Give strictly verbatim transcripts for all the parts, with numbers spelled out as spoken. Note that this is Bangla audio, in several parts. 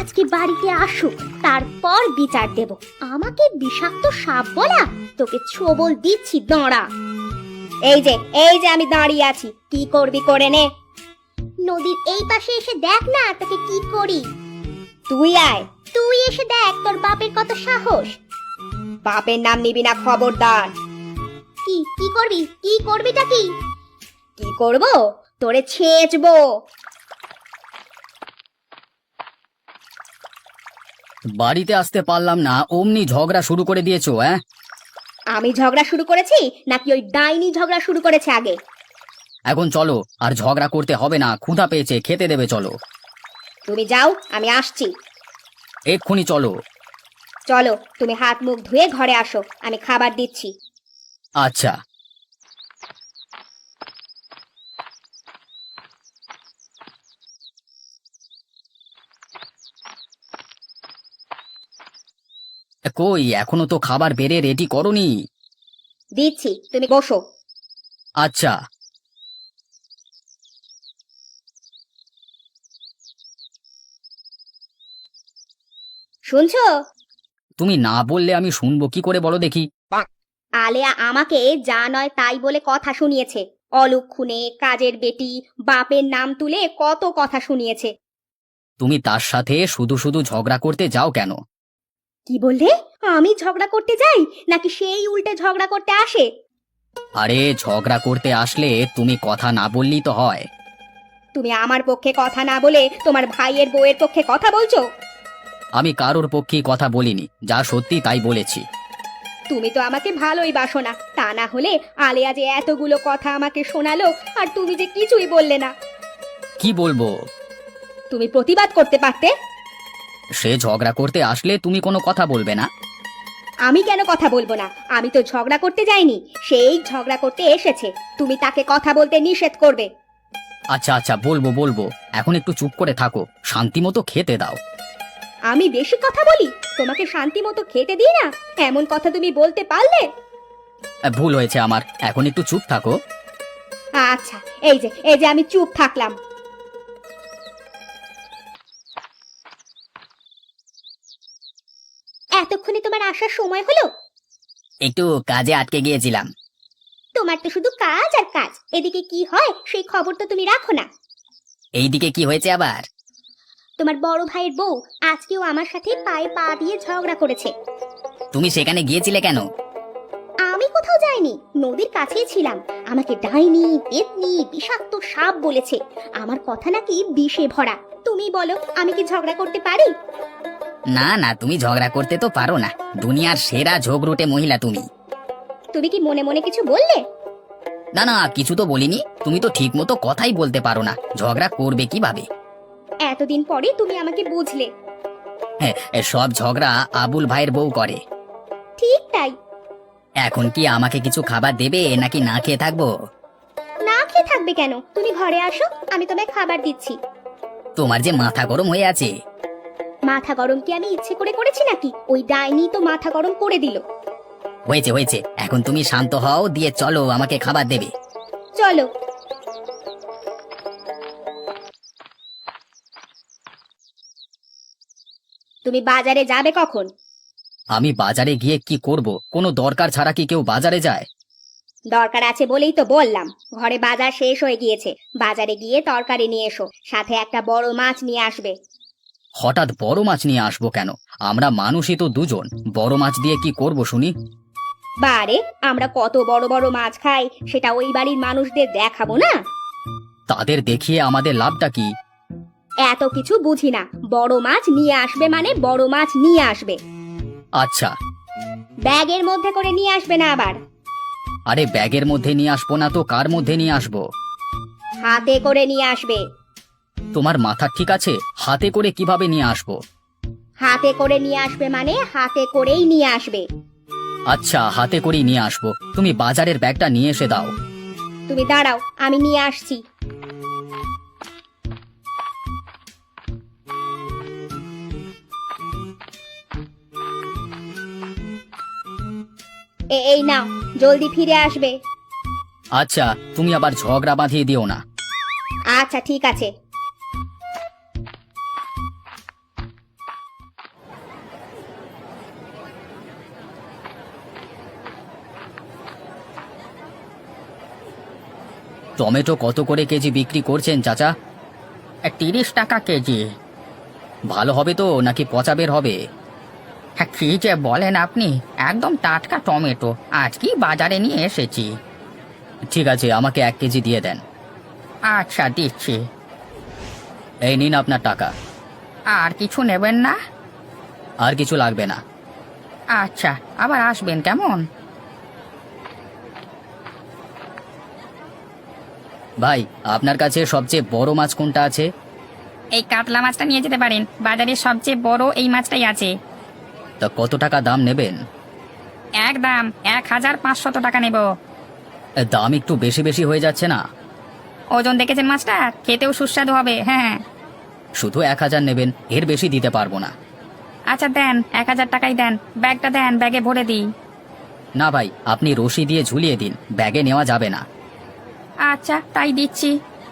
আজকে বাড়িতে আসুক, তারপর বিচার দেব। আমাকে বিষাক্ত সাপ বলা? তোকে ছোবল দিচ্ছি, দাঁড়া। এই যে এই যে আমি দাঁড়িয়ে আছি, কি করবি করে নে। নদীর এই পাশে এসে দেখ না তোকে কি করি। তুই আয়, তুই এসে দেখ তোর বাপের কত সাহস। বাপের নাম নিবি না, খবরদার। কি কি করবি? কি করবিটা কি? কি করব? তোরে ছেঁচবো। বাড়িতে আসতে পারলাম না, অমনি ঝগড়া শুরু করে দিয়েছো। হ্যাঁ, আমি ঝগড়া শুরু করেছি নাকি ওই ডাইনি ঝগড়া শুরু করেছে আগে? এখন চলো, আর ঝগড়া করতে হবে না, ক্ষুধা পেয়েছে, খেতে দেবে, চলো। তুমি যাও, আমি আসছি। এক্ষুনি চলো। চলো, তুমি হাত মুখ ধুয়ে ঘরে আসো, আমি খাবার দিচ্ছি। আচ্ছা। কই, এখনো তো খাবার বেড়ে রেডি করনি। দিচ্ছি, তুমি বসো। আচ্ছা। শুনছো? তুমি না বললে আমি শুনবো কি করে, বলো দেখি। আলেয়া আমাকে যা নয় তাই বলে কথা শুনিয়েছে। অলক্ষণে, কাজের বেটি, বাপের নাম তুলে কত কথা শুনিয়েছে। তুমি তার সাথে শুধু শুধু ঝগড়া করতে যাও কেন? কি বললে? আমি ঝগড়া করতে যাই নাকি সেই উল্টে ঝগড়া করতে আসে? আরে ঝগড়া করতে আসলে তুমি কথা না বললেই তো হয়। তুমি আমার পক্ষে কথা না বলে তোমার ভাইয়ের বউয়ের পক্ষে কথা বলছো। আমি কারোর পক্ষেই কথা বলিনি, যা সত্যি তাই বলেছি। তুমি তো আমাকে ভালোই বাসো না, তা না হলে আলেয়া যে এতগুলো কথা আমাকে শোনালো আর তুমি যে কিছুই বললে না। কি বলবো? তুমি প্রতিবাদ করতে পারতে। সে ঝগড়া করতে আসলে তুমি কোনো কথা বলবে না? আমি কেন কথা বলবো না? আমি তো ঝগড়া করতে যাইনি, সেই ঝগড়া করতে এসেছে। তুমি তাকে কথা বলতে নিষেধ করবে। আচ্ছা আচ্ছা, বলবো বলবো, এখন একটু চুপ করে থাকো, শান্তি মতো খেতে দাও। আমি বেশি কথা বলি? তোমাকে শান্তি মতো খেতে দিই না, এমন কথা তুমি বলতে পারলে? আহ, ভুল হয়েছে আমার, এখন একটু চুপ থাকো। আচ্ছা, এই যে এই যে আমি চুপ থাকলাম। এতক্ষণে তোমার আসার সময় হলো? একটু কাজে আটকে গিয়েছিলাম। তোমার তো শুধু কাজ আর কাজ, এদিকে কি হয় সেই খবর তো তুমি রাখো না। এইদিকে কি হয়েছে আবার? তোমার বড় ভাইয়ের বউ আজকেও আমার সাথে পায়ে পা দিয়ে ঝগড়া করেছে। তুমি সেখানে গিয়েছিলে কেন? আমি কোথাও যাইনি, নদীর কাছেই ছিলাম। আমাকে ডাইনি, পেতনি, বিষাক্ত সাপ বলেছে। আমার কথা নাকি বিষে ভরা। তুমি বলো, আমি কি ঝগড়া করতে পারি? না না, তুমি ঝগড়া করতে তো পারো না, দুনিয়ার সেরা ঝগড়ুটে মহিলা তুমি। তুমি কি মনে মনে কিছু বললে? না না, কিছু তো বলিনি, তুমি তো ঠিক মতো কথাই বলতে পারো না, ঝগড়া করবে কিভাবে? এতদিন পরে তুমি আমাকে বুঝলে। হ্যাঁ, এ সব ঝগড়া আবুল ভাইয়ের বউ করে। ঠিক তাই। এখন কি আমাকে কিছু খাবার দেবে নাকি না খেয়ে থাকবো? না খেয়ে থাকবে কেন? তুমি ঘরে আসো, আমি তোমায় খাবার দিচ্ছি। তোমার যে মাথা গরম হয়ে আছে। মাথা গরম কি আমি ইচ্ছে করে করেছি নাকি? ওই ডাইনি তো মাথা গরম করে দিল। হয়েছে হয়েছে, এখন তুমি শান্ত হও, দিয়ে চলো, আমাকে খাবার দেবে। চলো। তুমি বাজারে যাবে কখন? আমি বাজারে গিয়ে কি করব? কোনো দরকার ছাড়া কি কেউ বাজারে যায়? দরকার আছে বলেই তো বললাম। ঘরে বাজার শেষ হয়ে গিয়েছে, বাজারে গিয়ে তরকারি নিয়ে এসো, সাথে একটা বড় মাছ নিয়ে আসবে। হঠাৎ বড় মাছ নিয়ে আসবো কেন? আমরা মানুষই তো দুজন, বড় মাছ দিয়ে কি করব শুনি? বারে, আমরা কত বড় বড় মাছ খাই, সেটা ওই বাড়ির মানুষদের দেখাবো না? তাদের দেখিয়ে আমাদের লাভটা কি? এত কিছু বুঝি না, বড় মাছ নিয়ে আসবে মানে বড় মাছ নিয়ে আসবে। আচ্ছা। ব্যাগের মধ্যে করে নিয়ে আসবে না আবার। আরে ব্যাগের মধ্যে নিয়ে আসবো না তো কার মধ্যে নিয়ে আসবো? হাতে করে নিয়ে আসবে। তোমার মাথা ঠিক আছে? হাতে করে কিভাবে নিয়ে আসবো? হাতে করে নিয়ে আসবে মানে হাতে করেই নিয়ে আসবে। আচ্ছা, হাতে করেই নিয়ে আসবো, তুমি বাজারের ব্যাগটা নিয়ে এসে দাও। তুমি দাঁড়াও, আমি নিয়ে আসছি। এ- এই নাও, জলদি ফিরে আসবে। আচ্ছা, তুমি আবার ঝগড়া বাঁধিয়ে দিও না। আচ্ছা ঠিক আছে। টমেটো কত করে কেজি বিক্রি করছেন চাচা? তিরিশ টাকা কেজি। ভালো হবে তো নাকি পচা বের হবে? হ্যাঁ, কি যে বলেন আপনি, একদম টাটকা টমেটো, আজকেই বাজারে নিয়ে এসেছি। ঠিক আছে, আমাকে এক কেজি দিয়ে দেন। আচ্ছা, দিচ্ছি। এই নিন আপনার টাকা। আর কিছু নেবেন না? আর কিছু লাগবে না। আচ্ছা, আবার আসবেন কেমন? ভাই, আপনার কাছে সবচেয়ে বড় মাছ কোনটা আছে? এই কাতলা মাছটা নিয়ে যেতে পারেন, বাজারে সবচেয়ে বড় এই মাছটাই আছে। তা কত টাকা দাম নেবেন? এক দাম এক হাজার পাঁচশত টাকা নেব। এ, দাম একটু বেশি বেশি হয়ে যাচ্ছে না? ওজন দেখেছেন মাছটা, খেতেও সুস্বাদু হবে। হ্যাঁ, শুধু এক হাজার নেবেন, এর বেশি দিতে পারবো না। আচ্ছা দেন, এক হাজার টাকাই দেন। ব্যাগটা দেন, ব্যাগে ভরে দিই। না ভাই, আপনি রশি দিয়ে ঝুলিয়ে দিন, ব্যাগে নেওয়া যাবে না। আচ্ছা, তাই দিচ্ছি।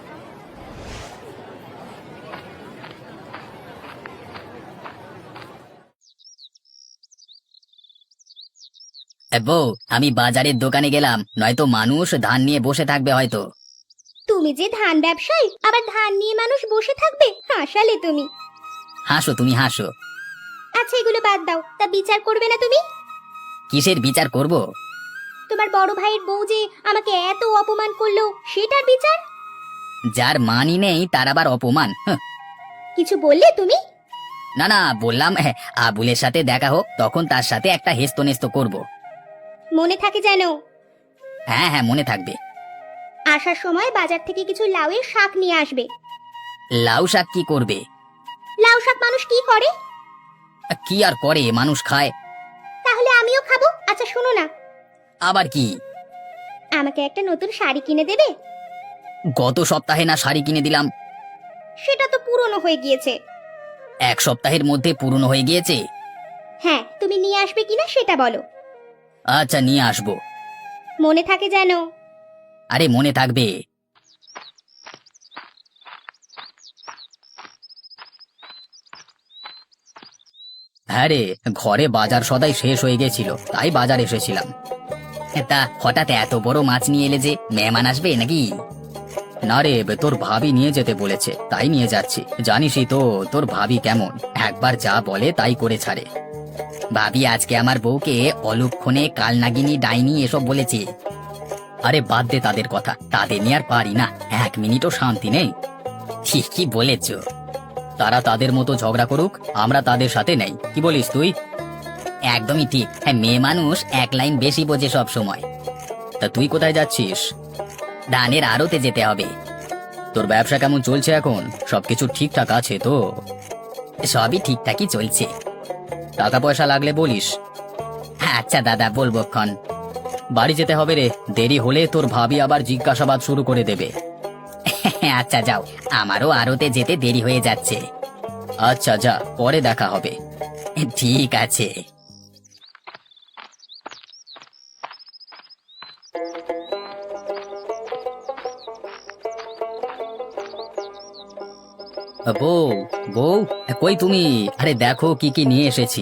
এ বউ, আমি বাজারের দোকানে গেলাম, নয়তো মানুষ ধান নিয়ে বসে থাকবে হয়তো। তুমি যে ধান ব্যবসায়ী, আবার ধান নিয়ে মানুষ বসে থাকবে? হাসালে তুমি। হাসো তুমি, হাসো। আচ্ছা, এগুলো বাদ দাও, তা বিচার করবে না তুমি? কিসের বিচার করব? তোমার বড় ভাইয়ের বউ যে আমাকে এত অপমান করলো, সেটার বিচার? যার মানই নেই তার আবার অপমান? হাহ। কিছু বললে তুমি? না না, বললাম হ্যাঁ, আবুলের সাথে দেখা হোক, তখন তার সাথে একটা হেস্তনেস্ত করব। মনে থাকে যেন। হ্যাঁ হ্যাঁ, মনে থাকবে। আসার সময় বাজার থেকে কিছু লাউয়ের শাক নিয়ে আসবে। লাউ শাক কি করবে? লাউ শাক মানুষ কি করে? কি আর করে, মানুষ খায়। তাহলে আমিও খাবো। আচ্ছা শোনো না, আবার কি? আমাকে একটা নতুন শাড়ি কিনে দেবে? গত সপ্তাহে না শাড়ি কিনে দিলাম? সেটা তো পুরনো হয়ে গিয়েছে। এক সপ্তাহের মধ্যে পুরনো হয়ে গিয়েছে? হ্যাঁ, তুমি নিয়ে আসবে কিনা সেটা বলো। আচ্ছা, নিয়ে আসবো। মনে থাকে যেন। আরে মনে থাকবে। হ্যাঁ রে, ঘরে বাজার সদাই শেষ হয়ে গেছিল, তাই বাজার এসেছিলাম। তা হঠাৎ এত বড় মাছ নিয়ে এলে যে, মেহমান আসবে নাকি? না রে, তোর ভাবি নিয়ে যেতে বলেছে, তাই নিয়ে যাচ্ছি। জানিসই তো তোর ভাবি কেমন, একবার যা বলে তাই করে ছাড়ে। ভাবি আজকে আমার বউকে অলক্ষণে কালনাগিনী ডাইনি এসব বলেছে। আরে বাদ দে তাদের কথা, তাদের নিয়ে আর পারি না, এক মিনিটও শান্তি নেই। ঠিকই বলেছ, তারা তাদের মতো ঝগড়া করুক, আমরা তাদের সাথে নেই। কি বলিস তুই? একদমই ঠিক। হ্যাঁ, মেয়ে মানুষ এক লাইন বেশি বোঝে সব সময়। তা তুই কোথায় যাচ্ছিস? ধানের আড়তে যেতে হবে। তোর ব্যবসা কেমন চলছে এখন? সবকিছু ঠিকঠাক আছে তো? সবই ঠিকঠাকই চলছে। টাকা পয়সা লাগলে বলিস। আচ্ছা দাদা, বলবো ক্ষণ। বাড়ি যেতে হবে রে, দেরি হলে তোর ভাবি আবার জিজ্ঞাসাবাদ শুরু করে দেবে। আচ্ছা যাও, আমারও আড়তে যেতে দেরি হয়ে যাচ্ছে। আচ্ছা যা, পরে দেখা হবে। ঠিক আছে। বউ, বউ, কই তুমি? আরে দেখো কি কি নিয়ে এসেছি।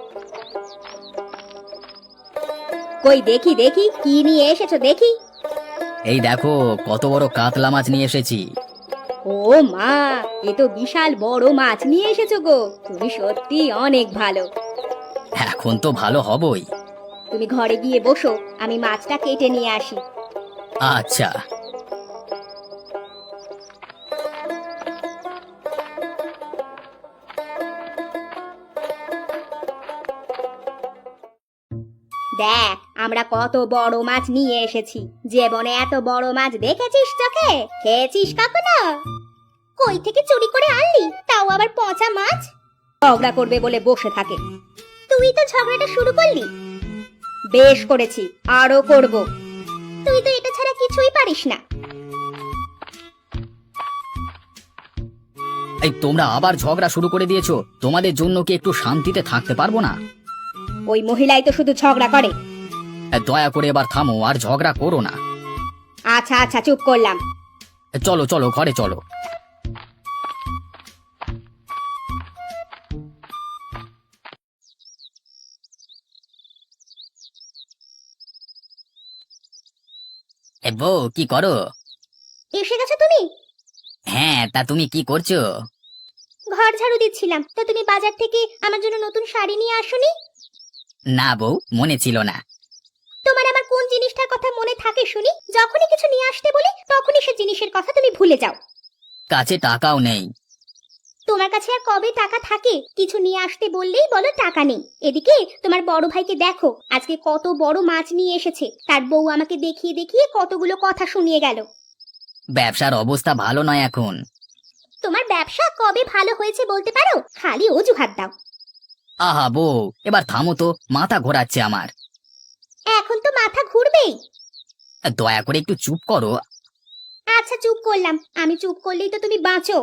কই দেখি দেখি, কি নিয়ে এসেছো দেখি। এই দেখো কত বড় কাতলা মাছ নিয়ে এসেছি। ও মা, এ তো বিশাল বড় মাছ নিয়ে এসেছো গো। তুমি সত্যি অনেক ভালো। এখন তো ভালো হবই। তুমি ঘরে গিয়ে বসো, আমি মাছটা কেটে নিয়ে আসি। আচ্ছা। দেখ, আমরা কত বড় মাছ নিয়ে এসেছি। জীবনে এত বড় মাছ দেখেছিস চোখে? খেয়েছিস কখনো? কই থেকে চুরি করে আনলি, তাও আবার পচা মাছ? ঝগড়া করবে বলে বসে থাকে। তুই তো ঝগড়াটা শুরু করলি। বেশ করেছি, আরো করব। তুই তো এটা ছাড়া কিছুই পারিস না। এই তোমরা আবার ঝগড়া শুরু করে দিয়েছো। তোমাদের জন্য কি একটু শান্তিতে থাকতে পারবো না? ওই মহিলাই তো শুধু ঝগড়া করে। দয়া করে এবার থামো, আর ঝগড়া করো না। আচ্ছা আচ্ছা, চুপ করলাম। চলো চলো, ঘরে চলো। বউ, কি করো? এসে গেছো তুমি? হ্যাঁ, তা তুমি কি করছো? ঘর ঝাড়ু দিচ্ছিলাম। তা তুমি বাজার থেকে আমার জন্য নতুন শাড়ি নিয়ে আসোনি? না বউ, মনে ছিল না। তোমার আমার কোন জিনিসটার কথা মনে থাকে শুনি? যখনই কিছু নিয়ে আসতে বলি তখনই সে জিনিসের কথা তুমি ভুলে যাও। কাছে টাকাও নেই। তোমার কাছে আর কবে টাকা থাকে? কিছু নিয়ে আসতে বললেই বলো টাকা নেই। এদিকে তোমার বড় ভাইকে দেখো, আজকে কত বড় মাছ নিয়ে এসেছে। তার বউ আমাকে দেখিয়ে দেখিয়ে কতগুলো কথা শুনিয়ে গেল। ব্যবসার অবস্থা ভালো নয় এখন। তোমার ব্যবসা কবে ভালো হয়েছে বলতে পারো? খালি অজুহাত দাও। আহা বউ, এবার থামো তো, মাথা ঘোরাচ্ছে আমার। এখন তো মাথা ঘুরবেই। দয়া করে একটু চুপ করো। আচ্ছা চুপ করলাম। আমি চুপ করলেই তো তুমি বাঁচো।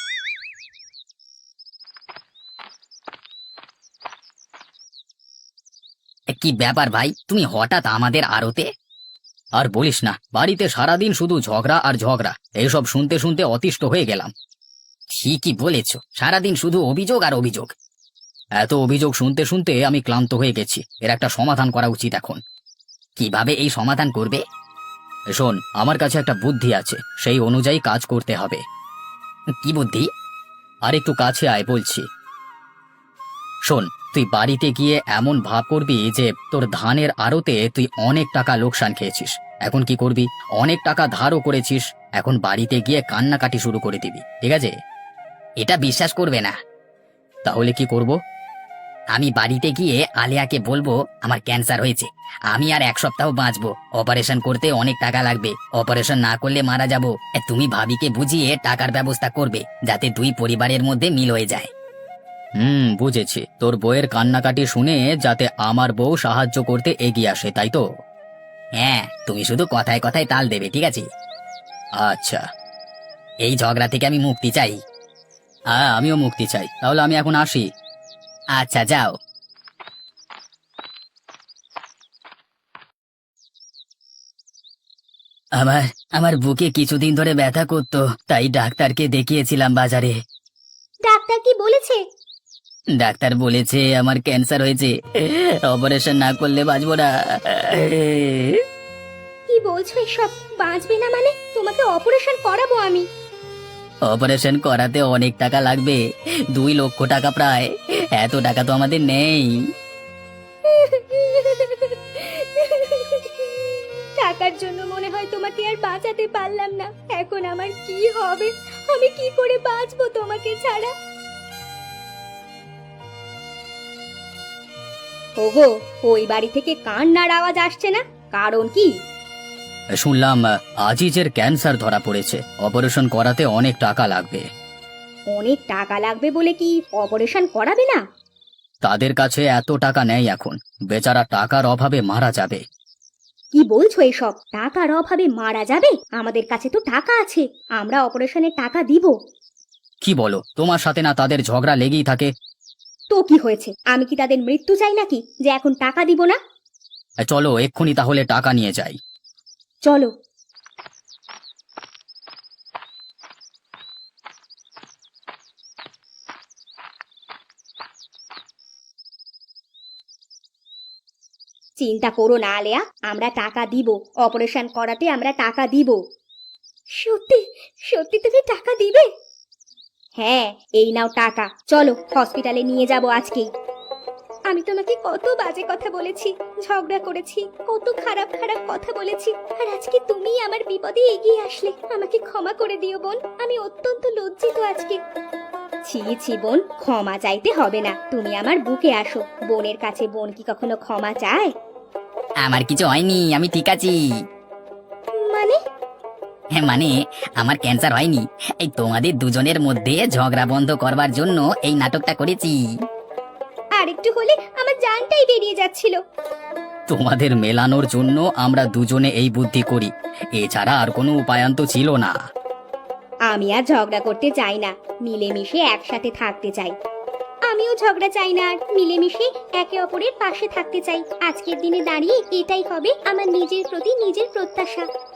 কি ব্যাপার ভাই, তুমি হঠাৎ আমাদের আড়তে? আর বলিস না, বাড়িতে সারাদিন শুধু ঝগড়া আর ঝগড়া, এইসব শুনতে শুনতে অতিষ্ঠ হয়ে গেলাম। ঠিকই বলেছ, সারাদিন শুধু অভিযোগ আর অভিযোগ। এত অভিযোগ শুনতে শুনতে আমি ক্লান্ত হয়ে গেছি। এর একটা সমাধান করা উচিত এখন। কিভাবে এই সমাধান করবে? শোন, আমার কাছে একটা বুদ্ধি আছে, সেই অনুযায়ী কাজ করতে হবে। কি বুদ্ধি? আর একটু কাছে আয় বলছি। শোন, তুই বাড়িতে গিয়ে এমন ভাব করবি যে তোর ধানের আড়তে তুই অনেক টাকা লোকসান খেয়েছিস। এখন কি করবি? অনেক টাকা ধারও করেছিস। এখন বাড়িতে গিয়ে কান্নাকাটি শুরু করে দিবি, ঠিক আছে? এটা বিশ্বাস করবে না। তাহলে কি করব? আমি বাড়িতে গিয়ে আলিয়াকে বলবো আমার ক্যান্সার হয়েছে, আমি আর এক সপ্তাহ বাঁচবো, অপারেশন করতে অনেক টাকা লাগবে, অপারেশন না করলে মারা যাব। তুমি ভাবিকে বুঝিয়ে টাকার ব্যবস্থা করবে, যাতে দুই পরিবারের মধ্যে মিল হয়ে যায়। হুম, বুঝেছি। তোর বউয়ের কান্নাকাটি শুনে যাতে আমার বউ সাহায্য করতে এগিয়ে আসে, তাই তো? হ্যাঁ, তুমি শুধু কথায় কথায় তাল দেবে, ঠিক আছে? আচ্ছা। এই ঝগড়া থেকে আমি মুক্তি চাই। হ্যাঁ, আমিও মুক্তি চাই। তাহলে আমি এখন আসি। আচ্ছা, যাও। আমার আমার বুকে কিছুদিন ধরে ব্যথা করতো, তাই ডাক্তারকে দেখিয়েছিলাম বাজারে। ডাক্তার কি বলেছে? ডাক্তার বলেছে আমার ক্যান্সার হয়েছে, অপারেশন না করলে বাঁচবো না। কি বলছো এসব? বাঁচবে না মানে? তোমাকে অপারেশন করাবো আমি। অপারেশন করাতে অনেক টাকা লাগবে, দুই লক্ষ টাকা প্রায়। এত টাকা তো আমাদের নেই। টাকার জন্য মনে হয় তোমাকে আর বাঁচাতে পারলাম না। এখন আমার কি হবে? আমি কি করে বাঁচবো তোমাকে ছাড়া? ওগো, ওই বাড়ি থেকে কান্নার আওয়াজ আসছে না, কারণ কি? শুনলাম আজিজের ক্যান্সার ধরা পড়েছে, অপারেশন করাতে অনেক টাকা লাগবে। অনেক টাকা লাগবে বলে কি অপারেশন করাবে না? তাদের কাছে এত টাকা নেই এখন, বেচারা টাকার অভাবে মারা যাবে। কি বলছো এসব? টাকার অভাবে মারা যাবে? আমাদের কাছে তো টাকা আছে, আমরা অপারেশনের টাকা দিব। কি বলো? তোমার সাথে না তাদের ঝগড়া লেগেই থাকে। তো কি হয়েছে? আমি কি তাদের মৃত্যু চাই নাকি যে এখন টাকা দিব না? চলো এক্ষুনি তাহলে টাকা নিয়ে যাই। চলো। চিন্তা করো না আলেয়া, আমরা টাকা দিব। অপারেশন করাতে আমরা টাকা দিব। সত্যি সত্যি তুমি টাকা দিবে? হ্যাঁ, এই নাও টাকা। চলো হসপিটালে নিয়ে যাব আজকেই। আমি তোমাকে কত বাজে কথা বলেছি, ঝগড়া করেছি, কত খারাপ খারাপ কথা বলেছি, আর আজকে তুমি আমার বিপদে এগিয়ে আসলে। আমাকে ক্ষমা করে দিও বোন, আমি অত্যন্ত লজ্জিত আজকে। ছি ছি বোন, ক্ষমা চাইতে হবে না। তুমি আমার বুকে আসো। বোনের কাছে বোন কি কখনো ক্ষমা চায়? আমার কিছু হয়নি, আমি ঠিক আছি। মানে? হ্যাঁ মানে, আমার ক্যান্সার হয়নি। এই তোমাদের দুজনের মধ্যে ঝগড়া বন্ধ করবার জন্য এই নাটকটা করেছি। আর একটু হলে আমার জানটাই বেরিয়ে যাচ্ছিল। তোমাদের মেলানোর জন্য আমরা দুজনে এই বুদ্ধি করি, এছাড়া আর কোনো উপায়ান্ত ছিল না। আমি আর ঝগড়া করতে চাই না, মিলেমিশে একসাথে থাকতে চাই। আমিও ঝগড়া চাই না, আর মিলেমিশে একে অপরের পাশে থাকতে চাই। আজকের দিনে দাঁড়িয়ে এটাই হবে আমার নিজের প্রতি নিজের প্রত্যাশা।